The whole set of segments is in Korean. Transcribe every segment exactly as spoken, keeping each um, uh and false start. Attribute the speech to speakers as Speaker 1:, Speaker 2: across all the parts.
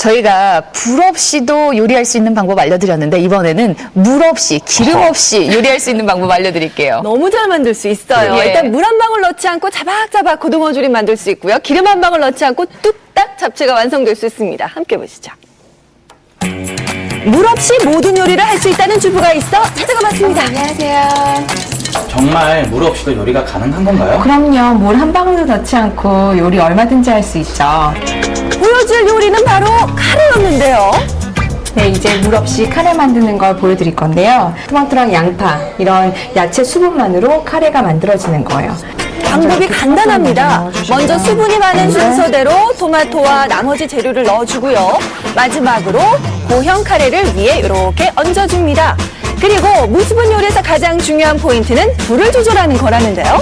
Speaker 1: 저희가 불 없이도 요리할 수 있는 방법 알려드렸는데 이번에는 물 없이, 기름 없이 요리할 수 있는 방법 알려드릴게요.
Speaker 2: 너무 잘 만들 수 있어요.
Speaker 1: 예.
Speaker 2: 일단 물 한 방울 넣지 않고 자박자박 고등어 조림 만들 수 있고요. 기름 한 방울 넣지 않고 뚝딱 잡채가 완성될 수 있습니다. 함께 보시죠. 물 없이 모든 요리를 할 수 있다는 주부가 있어 찾아가 봤습니다.
Speaker 3: 안녕하세요.
Speaker 4: 정말 물 없이도 요리가 가능한 건가요?
Speaker 3: 그럼요. 물 한 방울도 넣지 않고 요리 얼마든지 할 수 있죠.
Speaker 2: 보여줄 요리는 바로 카레였는데요.
Speaker 3: 네, 이제 물 없이 카레 만드는 걸 보여드릴 건데요. 토마토랑 양파, 이런 야채 수분만으로 카레가 만들어지는 거예요.
Speaker 2: 방법이 간단합니다. 먼저 수분이 많은 순서대로 토마토와 나머지 재료를 넣어주고요. 마지막으로 고형 카레를 위에 이렇게 얹어줍니다. 그리고 무수분 요리에서 가장 중요한 포인트는 불을 조절하는 거라는데요.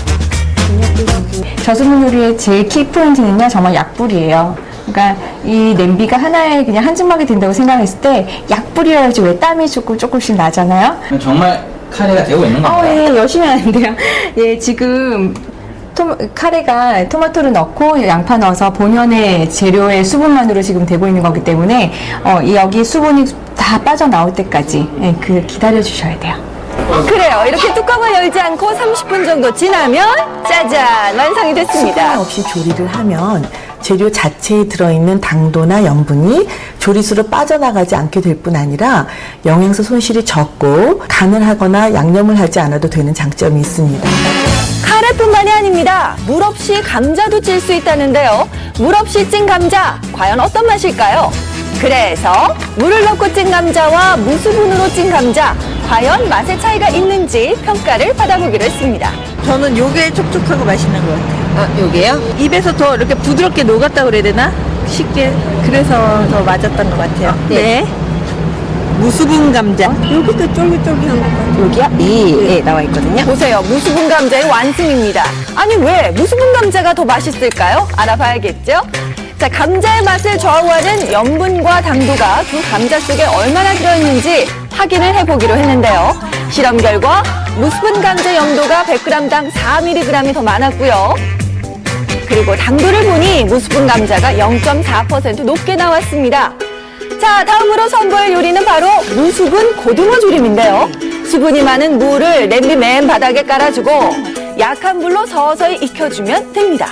Speaker 3: 저수분 요리의 제일 키 포인트는요, 정말 약불이에요. 그러니까 이 냄비가 하나에 그냥 한 주먹이 된다고 생각했을 때 약불이라 해야지 왜 땀이 조금 조금씩 나잖아요.
Speaker 4: 정말 카레가 되고 있는
Speaker 3: 어,
Speaker 4: 건가요?
Speaker 3: 예, 열심히 하는데요. 예, 지금 토, 카레가 토마토를 넣고 양파 넣어서 본연의 재료의 수분만으로 지금 되고 있는 거기 때문에 어, 이 여기 수분이 다 빠져나올 때까지 예, 그 기다려 주셔야 돼요.
Speaker 2: 그래요. 이렇게 뚜껑을 열지 않고 삼십 분 정도 지나면 짜잔! 완성이
Speaker 5: 수분
Speaker 2: 됐습니다.
Speaker 5: 없이 조리를 하면 재료 자체에 들어있는 당도나 염분이 조리수로 빠져나가지 않게 될 뿐 아니라 영양소 손실이 적고 간을 하거나 양념을 하지 않아도 되는 장점이 있습니다.
Speaker 2: 카레뿐만이 아닙니다. 물 없이 감자도 찔 수 있다는데요. 물 없이 찐 감자, 과연 어떤 맛일까요? 그래서 물을 넣고 찐 감자와 무수분으로 찐 감자, 과연 맛의 차이가 있는지 평가를 받아보기로 했습니다.
Speaker 6: 저는 요게 촉촉하고 맛있는 것 같아요.
Speaker 2: 아, 요게요?
Speaker 6: 입에서 더 이렇게 부드럽게 녹았다 그래야 되나? 쉽게. 그래서 더 맞았던 것 같아요. 네. 무수분 감자. 여기도 쫄깃쫄깃한 것 같아요.
Speaker 2: 여기요? 예, 나와 있거든요. 보세요. 무수분 감자의 완승입니다. 아니, 왜 무수분 감자가 더 맛있을까요? 알아봐야겠죠? 자, 감자의 맛을 좌우하는 염분과 당도가 두 감자 속에 얼마나 들어있는지 확인을 해보기로 했는데요. 실험 결과 무수분 감자 염도가 백 그램당 사 밀리그램이 더 많았고요. 그리고 당도를 보니 무수분 감자가 영 점 사 퍼센트 높게 나왔습니다. 자, 다음으로 선보일 요리는 바로 무수분 고등어 조림인데요. 수분이 많은 무를 냄비 맨 바닥에 깔아주고 약한 불로 서서히 익혀주면 됩니다.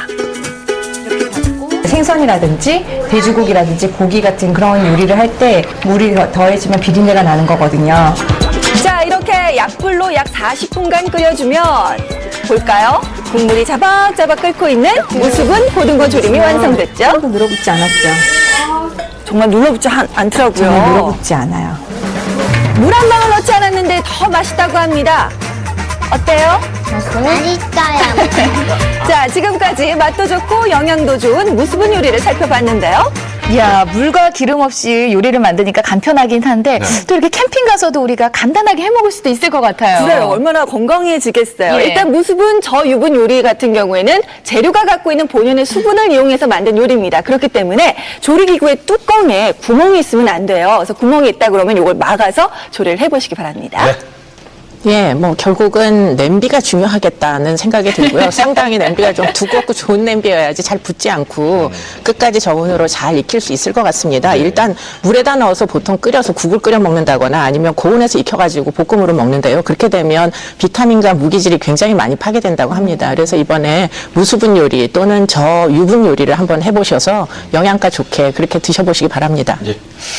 Speaker 3: 생선이라든지 돼지고기라든지 고기 같은 그런 요리를 할 때 물이 더해지면 비린내가 나는 거거든요.
Speaker 2: 자, 이렇게 약불로 약 사십 분간 끓여주면 볼까요? 국물이 자박자박 끓고 있는 무수분 고등어 조림이 완성됐죠?
Speaker 3: 하나도 늘어붙지 않았죠.
Speaker 2: 정말 눌러붙지 않, 않더라고요.
Speaker 3: 정말 늘어붙지 않아요.
Speaker 2: 물 한 방울 넣지 않았는데 더 맛있다고 합니다. 어때요?
Speaker 7: 맛있어요.
Speaker 2: 자, 지금까지 맛도 좋고 영양도 좋은 무수분 요리를 살펴봤는데요.
Speaker 1: 이야, 물과 기름 없이 요리를 만드니까 간편하긴 한데 또 이렇게 캠핑 가서도 우리가 간단하게 해 먹을 수도 있을 것 같아요.
Speaker 2: 그래요. 얼마나 건강해지겠어요.
Speaker 1: 예.
Speaker 2: 일단 무수분 저유분 요리 같은 경우에는 재료가 갖고 있는 본연의 수분을 이용해서 만든 요리입니다. 그렇기 때문에 조리기구의 뚜껑에 구멍이 있으면 안 돼요. 그래서 구멍이 있다 그러면 이걸 막아서 조리를 해보시기 바랍니다.
Speaker 4: 네.
Speaker 8: 예, 뭐 결국은 냄비가 중요하겠다는 생각이 들고요. 상당히 냄비가 좀 두껍고 좋은 냄비여야지 잘 붙지 않고 끝까지 저온으로 잘 익힐 수 있을 것 같습니다. 일단 물에다 넣어서 보통 끓여서 국을 끓여 먹는다거나 아니면 고온에서 익혀가지고 볶음으로 먹는데요. 그렇게 되면 비타민과 무기질이 굉장히 많이 파괴된다고 합니다. 그래서 이번에 무수분 요리 또는 저유분 요리를 한번 해보셔서 영양가 좋게 그렇게 드셔보시기 바랍니다.
Speaker 4: 이제